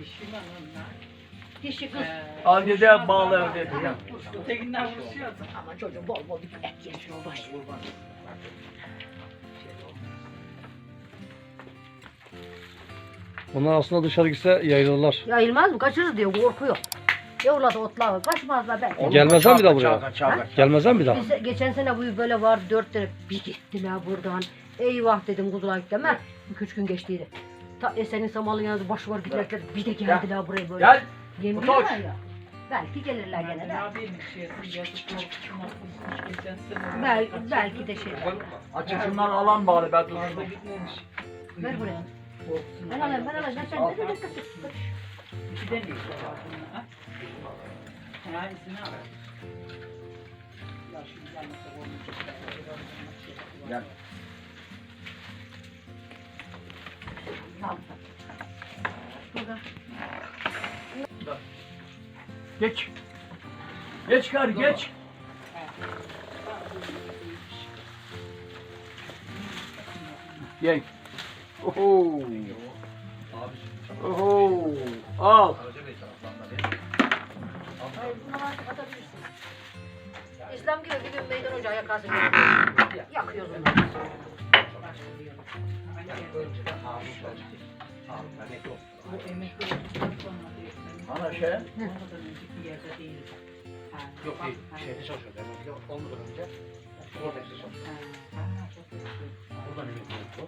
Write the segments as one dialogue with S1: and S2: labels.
S1: Dişi lan onlar.
S2: Dişi kız.
S3: Adide bağlı öyle diyeceğim.
S1: Ötekinden vuruşuyordu.
S2: Ama çocuğum bol bol bir et yemiş o baş.
S4: Onlar aslında dışarı gitse yayılırlar.
S2: Yayılmaz mı? Kaçırır diyor korkuyor. Yavrular otlar kaçmazlar belki.
S4: Gelmezler mi bir daha buraya?
S3: Kaçar.
S4: Gelmezler mi bir daha?
S2: Biz geçen sene bu böyle var 4 tane bir gittiler buradan. Eyvah dedim kuzular gittiler. 2-3 gün geçtiydi. Ta Esen'in samalın yanında baş var giderken bir de geldiler buraya böyle.
S3: Gel.
S2: Yemiyorlar ya. Belki gelirler gene de.
S1: Ne yapayım şey yazık korkusuna kızmış geçen sene.
S2: Belki de şey.
S3: Açısından alan bari ben
S1: Fazla
S3: tutuştum.
S1: gitmemiş.
S2: Ver buraya.
S1: Korkusuna.
S2: Ben alayım. Sen de dikkat et.
S1: İki de neyse var bunun ha. Ha izini al. Ya şimdi gelmese olmayacak.
S3: Gel.
S2: Burada.
S3: Geç. Geç kar geç. Gel. Oho. Oho. Al.
S2: Hayır, bunu artık atabilirsin. İslam gibi bir gün meydan ocağı yakarsın. Yakıyoruz onları.
S1: Bu emekli olduktan sonra diyor.
S3: Ana şey.
S1: Ondan önceki yerde değil.
S5: Yok değil, şeyde çalışıyordu. Yani olmadan önce orada çalışıyordu. Oradan emekli oldu.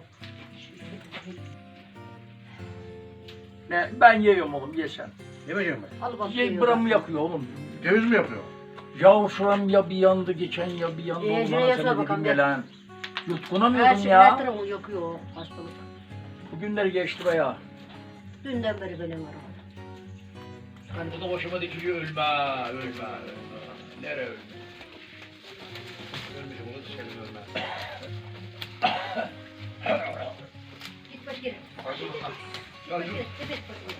S3: Ne, ben yiyorum oğlum ye sen.
S5: Ne beceriyorum ben?
S2: Al bak.
S3: Ye buramı yakıyor oğlum.
S5: Ceviz mi yapıyor?
S3: Ya şuram ya bir yandı geçen ya bir yandı.
S2: şuraya
S3: Allah'ına
S2: yasla
S3: seni
S2: bakalım
S3: dedim
S2: bir.
S3: ya lan.
S2: Her
S3: Yutkunamıyordum
S2: şey her
S3: ya.
S2: tarafı yakıyor o hastalık.
S3: Bugünleri geçti be ya.
S2: Dünden beri benim var.
S5: Bu da başıma dikiliyor ölme. Nereye ölme? Ölmeyeceğim, onu dışarı ölme.
S2: Git baş geri. Baş
S5: Ya
S2: geri. Evet baş geri.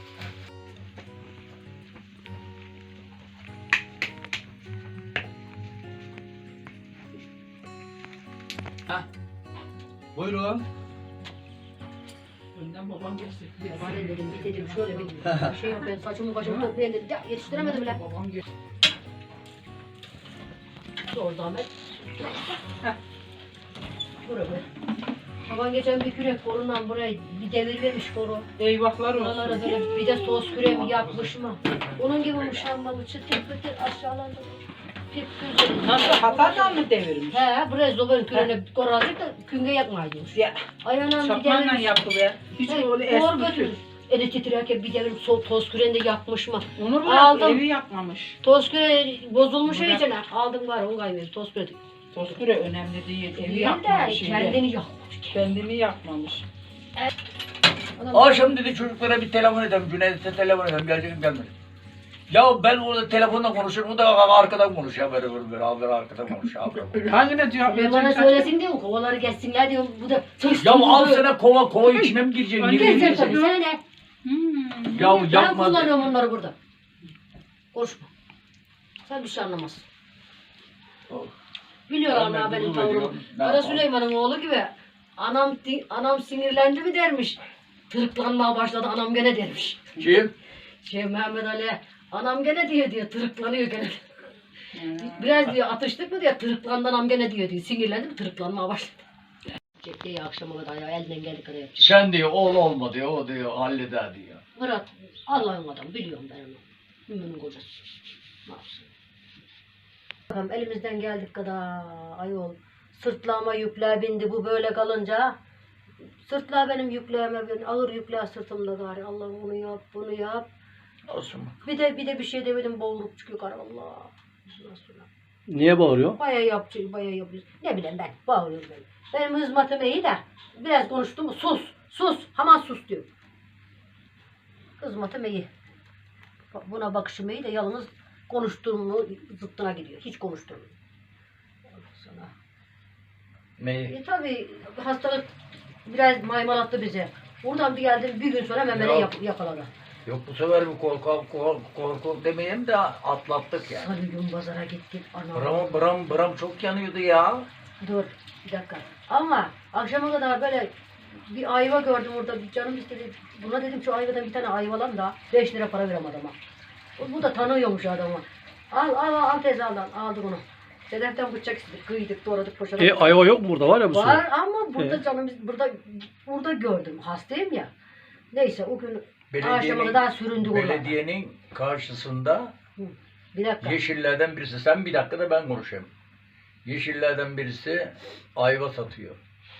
S5: buyurun.
S1: Önden babam geçti.
S2: Var dedim git dedim şöyle bir şey yok ben saçımı başımı toplayayım dedim. Ya yetiştiremedim bile.
S1: Babam geçti.
S2: Zor zahmet. Buraya. Baban geçen bir kürek korundan buraya bir devir vermiş koru.
S1: Eyvahlar
S2: Oralara
S1: olsun.
S2: böyle bir de sos küreği yapmış mı? Onun gibi muşambalı çıtır pıtır aşağılarda. Pip güzel.
S1: Nasıl hatadan mı devirmiş?
S2: He buraya zobanın küreğine koralacak da künge yakmaymış.
S1: Ya
S2: Ayağına bir
S1: şapmanla
S2: devirmiş.
S1: yaptı be. Hiç öyle
S2: Doğru
S1: eski.
S2: götürmüş. Eli titrerken bir devir toz küreğinde yakmış mı?
S1: Onur
S2: Aldım.
S1: bırak evi yakmamış.
S2: Toz küreği bozulmuş
S1: Bırak.
S2: iyicene. Aldım var onu kaymıyor toz küreği.
S1: Toskure önemli değil. Evi
S2: Değil de
S1: yakmamış şimdi.
S2: kendini yakmış.
S1: Kendini yakmamış.
S3: Akşam dedi çocuklara bir telefon edeyim. Cüneyt'e telefon edeyim. Gelecek mi gelmedi. Ya ben orada telefonla konuşuyorum. O da arkadan konuşuyor. Böyle abi arkadan konuşuyor. Abi.
S1: Hangine cevap
S2: Ben bana
S1: vereceksin?
S2: söylesin diyor mu? Kovaları geçsinler diyor. Bu da tırs
S3: Ya al
S2: tırs
S3: sana kova içine mi gireceksin?
S1: Önce
S3: Nereye
S2: Gezer tabii
S3: gireceksin?
S2: sana ne?
S3: Ya
S2: Ben
S3: yapma.
S2: kullanıyorum onları burada. Konuşma. Sen bir şey anlamazsın. Biliyor
S3: Ben
S2: ana benim
S3: gurur
S2: tavrımı.
S3: ediyorum. Ne
S2: Kara
S3: yapalım?
S2: Süleyman'ın oğlu gibi. Anam sinirlendi mi dermiş. Tırıklanmaya başladı anam gene dermiş.
S3: Kim?
S2: Mehmet Ali anam gene diyor tırıklanıyor gene. Biraz diyor atıştık mı diyor tırıklandı anam gene diyor. Sinirlendi mi tırıklanmaya başladı. Diye akşama kadar ya elinden geldi kadar yapacak.
S3: Sen diyor oğul olma diyor. O diyor halleder diyor.
S2: Murat Allah'ın adamı biliyorum ben onu. Mümin'in kocası. Ne yapsın? Bakalım elimizden geldik kadar ayol. Sırtlağıma yükler bindi bu böyle kalınca. Sırtlağı benim yükleğime bin. Ağır yükler sırtımda gari. Allah onu yap bunu yap.
S3: Olsun.
S2: Bir de bir şey demedim boğulup çıkıyor gari Allah. Nasıl?
S4: Niye bağırıyor?
S2: Bayağı yapıyor. Ne bileyim ben bağırıyorum ben. Benim hizmetim iyi de biraz konuştum mu sus hemen sus diyor. Hizmetim iyi. Buna bakışım iyi de yalnız konuştuğumu zıttına gidiyor. Hiç konuşturmuyor. Sana.
S3: Neyi?
S2: Tabii hastalık biraz maymalattı bizi. Buradan bir geldim bir gün sonra hemen beni
S3: Yok.
S2: yakaladı.
S3: Yok bu sefer bir korku demeyeyim de atlattık yani.
S2: Salı gün pazara gittik. Ana.
S3: Bram çok yanıyordu ya.
S2: Dur bir dakika. Ama akşama kadar böyle Bir ayva gördüm orada. Bir canım istedi. Buna dedim şu ayvadan bir tane ayva alalım da 5 lira para verem adama. Bu da tanıyormuş adamı. Al teyze al. Aldık onu. Sedeften bıçak istedik. Kıydık, doğradık, poşaladık.
S4: Ayva yok mu burada var ya bu
S2: Var
S4: sene?
S2: ama burada canım burada gördüm. Hastayım ya. Neyse o gün akşama kadar süründü orada.
S3: Belediyenin karşısında
S2: Bir dakika.
S3: Yeşillerden birisi, sen bir dakika da ben konuşayım. Yeşillerden birisi ayva satıyor.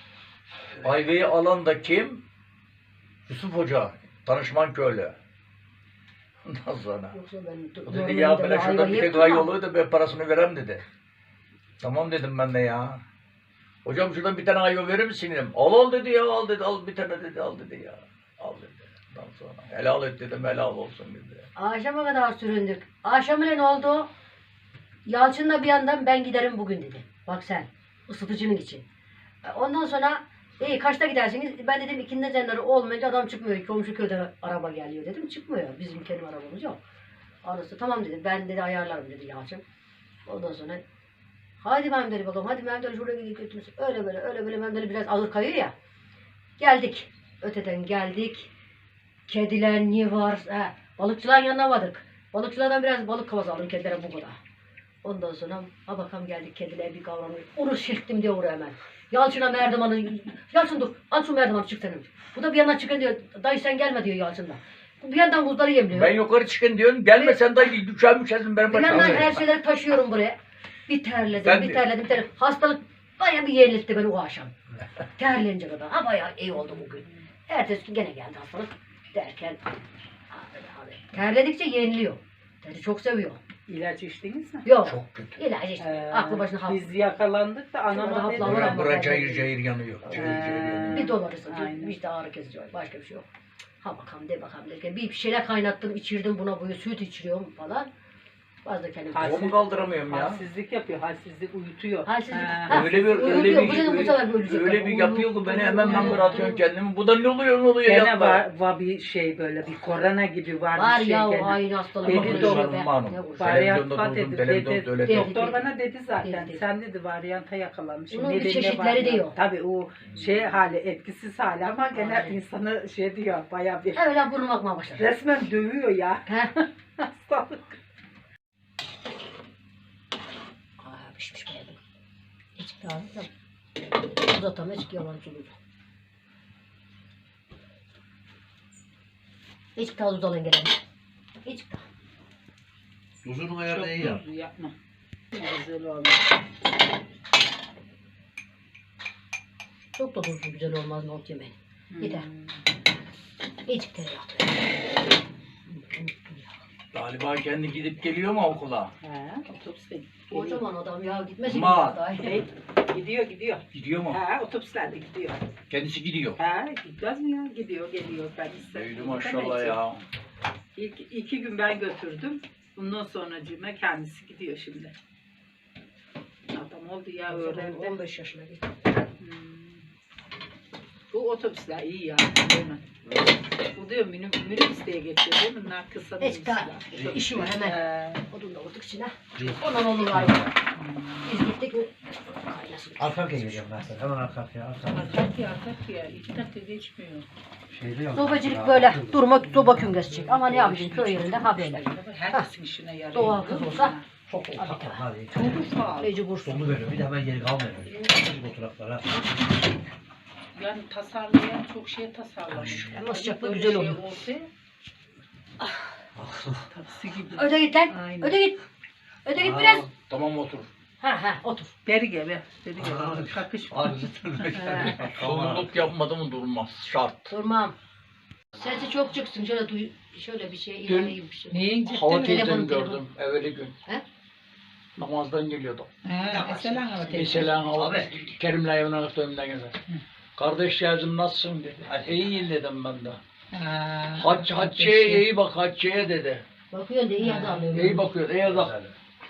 S3: Ayvayı alan da kim? Yusuf Hoca, danışman köylü. Ondan sonra.
S2: Yoksa ben
S3: O dedi ya ben şurada bir tek ay oluyor da ben parasını verem dedi. Tamam dedim ben de ya. Hocam şuradan bir tane ayva verir misin dedim. Al dedi ya, al dedi, al bir tane dedi, al dedi ya. Al dedi. Ondan sonra helal et dedim, helal olsun dedi.
S2: Akşama kadar süründük. Akşam ne oldu? Yalçın'la bir yandan ben giderim bugün dedi. Bak sen, ısıtıcının için. Ondan sonra iyi kaçta gidersiniz? Ben dedim ikindi cenleri olmayınca adam çıkmıyor. Komşu köyden araba geliyor dedim. Çıkmıyor. Bizim kendi arabamız yok. Anası tamam dedi. Ben dedi ayarlarım dedi Yalçın. Ondan sonra hadi Mehmet Ali bakalım. Hadi Mehmet Ali şuraya gidip götürsün. Öyle böyle Mehmet Ali biraz ağır kayıyor ya. Geldik. Öteden geldik. Kediler niye var? Balıkçıların yanına vardık. Balıkçılardan biraz balık kavası aldım kedilere bu kadar. Ondan sonra ha bakalım geldik kediler bir kavramı. Onu silktim diyor oraya hemen. Yalçın'a merdivanı, Yalçın dur al şu merdivanı çık senin. Bu da bir yandan çıkın diyor. Dayı sen gelme diyor Yalçın'la. Bu bir yandan buzları yemliyor.
S3: Ben yukarı çıkın diyorsun, gelme sen dayı düşersin benim
S2: Bir
S3: başıma.
S2: yandan her şeyleri taşıyorum buraya. Bir terledim,
S3: Ben
S2: bir
S3: de.
S2: terledim. Hastalık bayağı bir yerletti beni o akşam. Terleyince kadar. Ha bayağı iyi oldu bugün. Ertesi gün gene geldi hastalık. Derken terledikçe yeniliyor. Teri çok seviyor.
S6: İlaç içtiniz mi?
S2: Yok.
S3: Çok kötü.
S2: İlaç işte. Aklı başına hap.
S6: Biz yakalandık da
S2: Şurada
S6: anama dedi.
S2: haplar var.
S3: Bura cayır cayır yanıyor. Cayır cayır yanıyor.
S2: Bir dolarısın.
S6: Aynen.
S2: İşte ağrı kesici var. Başka bir şey yok. Ha bakalım de bakalım derken bir şeyler kaynattım içirdim buna böyle süt içiriyorum falan. Fazla kendim.
S3: Kolumu kaldıramıyorum ya.
S6: Halsizlik yapıyor, halsizlik uyutuyor.
S2: Halsizlik.
S6: Ha.
S2: Ha,
S3: Öyle bir
S2: uyuyor. Bu dedim bu sefer ölecek.
S3: öyle bir yapıyor ki beni hemen ben bırakıyorum kendimi. Bu da ne oluyor
S6: Gene
S3: yapma.
S6: var bir şey böyle bir korona gibi var,
S2: Var
S6: bir şey
S2: ya o
S6: gene.
S2: aynı hastalık.
S6: Dedi
S2: Konuşuyor
S6: doktor,
S2: be.
S3: hanım.
S2: Ne vursun.
S6: Varyant
S3: Televizyonda
S6: dedi,
S3: durdum, televizyonda
S6: dedi.
S3: öyle
S2: Dedi.
S6: Doktor bana dedi zaten,
S2: Dedi.
S6: sen dedi varyanta yakalanmış.
S2: Bunun bir
S6: Nedeni
S2: çeşitleri
S6: varyant.
S2: diyor.
S6: Tabii o şey hali, etkisiz hali ama gene
S2: Aynen.
S6: insanı şey diyor, bayağı bir.
S2: Öyle burnum akmaya başladı.
S6: Resmen dövüyor ya.
S2: He?
S6: Hastalık.
S2: Pişmiş beğendim. Hiç daha uzatam hiç yalancı olur. Hiç daha uzalın gelelim. Hiç daha.
S5: Uzun
S6: Çok
S5: ayarda iyi ya.
S6: tuzlu yapma. Güzel olmuş.
S2: Çok da tuzlu güzel olmaz nohut yemeği. Gider. Hiç tereyağı.
S3: Galiba kendi gidip geliyor mu okula?
S6: He, otobüste gidiyor.
S2: Kocaman adam ya gitmesin.
S3: Ma.
S6: Hey, gidiyor.
S3: Gidiyor mu?
S6: He, otobüslerde gidiyor.
S3: Kendisi gidiyor.
S6: He, gitmez mi ya? Gidiyor, geliyor. Ben
S3: Büyüdü maşallah ya.
S6: İlk 2 gün ben götürdüm. Bundan sonracığıma kendisi gidiyor şimdi. Adam oldu ya öğrendi.
S2: 15 yaşına gitti.
S6: Bu otobüsler iyi ya. Değil mi? Bu diyor minibüseye geçiyor değil mi? Bunlar kısa
S2: Hiç daha
S6: minibüsler.
S2: işi var hemen.
S6: He.
S2: Odun da vurduk içine. Ondan olur galiba. Biz gittik mi? Kaynasın.
S5: Arka arkaya geleceğim ben sana. Hemen arka arkaya.
S6: Arkat ya. 2 dakika geçmiyor.
S5: Şeyde yok.
S2: Sobacılık böyle durma soba küngesi ama ne yapacaksın köy yerinde ha böyle.
S6: Herkesin işine yarıyor.
S2: Doğal kız olsa
S5: Çok ufak. Hadi.
S6: Çok pahalı.
S2: mecbursun.
S5: Sonu veriyor. Bir de hemen geri kalmıyor. Bu oturaklara.
S6: Yani tasarlayan çok şey tasarlamış.
S2: Ama sıcaklığı
S6: Böyle
S2: güzel
S6: şey
S2: oluyor.
S6: olsa, taksi gibi.
S2: Öde git lan.
S6: Aynen.
S2: Öde git. Öde git biraz.
S3: Tamam otur.
S2: Ha otur.
S6: Beri gebe. Beri
S5: Aa,
S6: gebe. Kakış.
S5: Abi
S3: Sorumluluk yapmadı mı durmaz. Şart.
S2: Durmam. Sesi çok çıksın. Şöyle bir şey ilerleyeyim bir şey.
S6: Neyin
S3: Hava
S6: ciddi mi?
S3: teyzemi
S2: Telefon.
S3: gördüm evveli gün.
S2: He?
S3: Namazdan geliyordu.
S6: Eselan ama teyze.
S3: Mesela hava
S5: Abi.
S3: Kerim'le evine öptüğümden geldi. Kardeş yazım nasılsın dedi. İyi dedim ben de. Hacciye iyi bak Hacciye dedi.
S2: Bakıyorsun da iyi yazarlıyor.
S3: İyi bakıyor. İyi bak.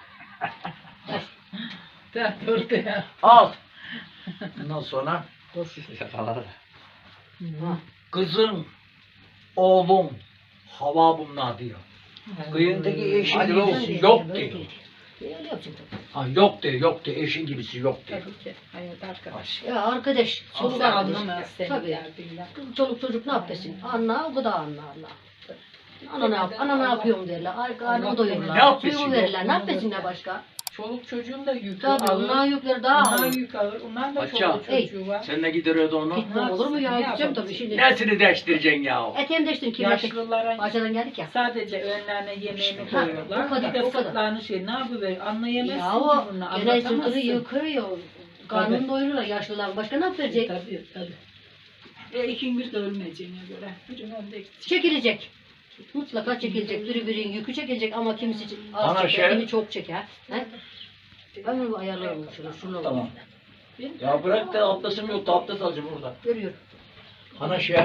S6: Dur ya.
S3: Al. Ondan sonra
S5: Şakalar.
S3: kızım, oğlum hava bunlar diyor. Kıyındaki
S5: Hadi
S3: eşi
S5: be oğlum.
S3: yok diyor.
S2: Öyle yapacaksın tabii.
S3: Ha, yok de, eşin gibisi yok de.
S6: Tabii ki. Hayat arkadaş.
S2: Ya arkadaş, çoluk
S6: Kimse
S2: arkadaş.
S6: anlamaz senin
S2: Tabii.
S6: derdinden.
S2: Çoluk çocuk ne yapıyorsun? Anla, o da anla. Ana ne yapıyorum derler. Ay karnımı doyururlar.
S3: Ne yapıyorsun
S2: Suyumu
S3: ya?
S2: verirler. Ne yapıyorsun ya başka?
S6: Çoluk çocuğun da yükü
S2: Tabii
S6: alır.
S2: onlar yükleri daha
S6: Onlar
S2: ağır.
S6: yük alır. Onlar da
S3: Hacca,
S6: çoluk çocuğu var.
S3: Sen ne gideriyordu onu?
S2: Gitmem olur mu ya?
S6: Ne
S2: Gideceğim tabii
S6: yapalım?
S2: şimdi.
S3: Nesini değiştireceksin ya?
S2: Eteğimi değiştirin kirlettik.
S6: Yaşlılara
S2: Bahçeden geldik ya.
S6: sadece önlerine yemeğini
S2: Ha,
S6: koyuyorlar.
S2: o kadar,
S6: Bir de
S2: o kadar.
S6: sırtlarını şey ne yapıver? Anlayamazsın
S2: Ya
S6: ki
S2: o
S6: bunu.
S2: genel sırtını
S6: Anlatamazsın.
S2: yıkıyor. Karnını
S6: Tabii.
S2: doyururlar yaşlılar. Başka ne yapacak?
S6: Tabii. İkimiz de ölmeyeceğine göre. Birinin önde gidecek.
S2: Çekilecek. Mutlaka çekilecek. Birinin yükü çekilecek ama kimisi az
S3: Ana
S2: çeker,
S3: şey-
S2: kimi çok çeker. He? Ben bunu ayarlarım şunu.
S3: Tamam. Ya bırak da abdestim yok da abdest alacağım burada.
S2: Görüyorum.
S3: Ana şey,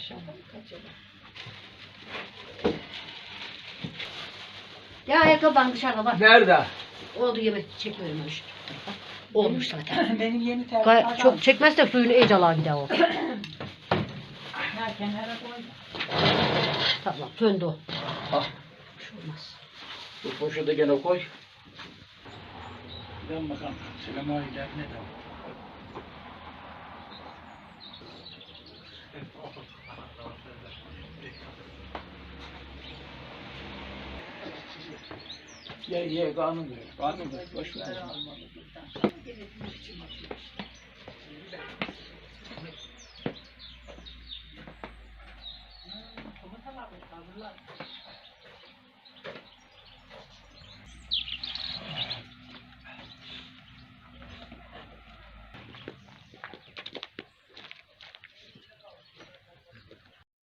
S2: Ya ayakkabıdan dışarıda var.
S3: nerede?
S2: Oldu yemek çekmiyormuş. Olmuş zaten.
S6: Benim yeni tercih
S2: Çok çekmezse suyunu iyice alan gider o.
S6: Ha, kenara koy.
S2: Tamam söndü o.
S3: Ah,
S2: Bir şey olmaz.
S3: bu poşete gene koy. Ben bakalım. Selam abiler ne de? Ye kanun ver. Kanun ver. Boş ver.
S6: Komutan abi, hazırlar.